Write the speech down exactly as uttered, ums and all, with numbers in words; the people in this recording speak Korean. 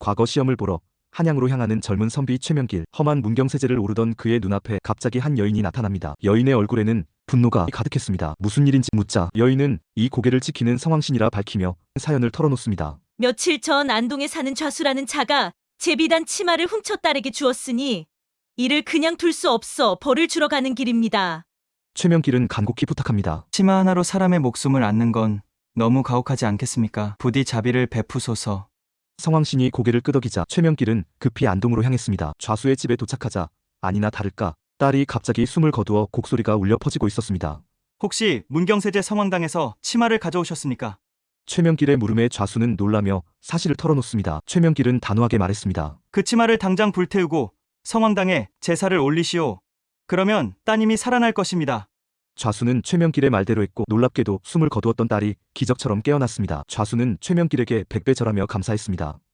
과거 시험을 보러 한양으로 향하는 젊은 선비 최명길. 험한 문경세제를 오르던 그의 눈앞에 갑자기 한 여인이 나타납니다. 여인의 얼굴에는 분노가 가득했습니다. 무슨 일인지 묻자 여인은 이 고개를 지키는 성황신이라 밝히며 사연을 털어놓습니다. 며칠 전 안동에 사는 좌수라는 자가 제 비단 치마를 훔쳐 딸에게 주었으니 이를 그냥 둘 수 없어 벌을 주러 가는 길입니다. 최명길은 간곡히 부탁합니다. 치마 하나로 사람의 목숨을 앗는 건 너무 가혹하지 않겠습니까? 부디 자비를 베푸소서. 성황신이 고개를 끄덕이자 최명길은 급히 안동으로 향했습니다. 좌수의 집에 도착하자 아니나 다를까 딸이 갑자기 숨을 거두어 곡소리가 울려 퍼지고 있었습니다. 혹시 문경세제 성황당에서 치마를 가져오셨습니까? 최명길의 물음에 좌수는 놀라며 사실을 털어놓습니다. 최명길은 단호하게 말했습니다. 그 치마를 당장 불태우고 성황당에 제사를 올리시오. 그러면 따님이 살아날 것입니다. 좌수는 최명길의 말대로 했고 놀랍게도 숨을 거두었던 딸이 기적처럼 깨어났습니다. 좌수는 최명길에게 백배 절하며 감사했습니다.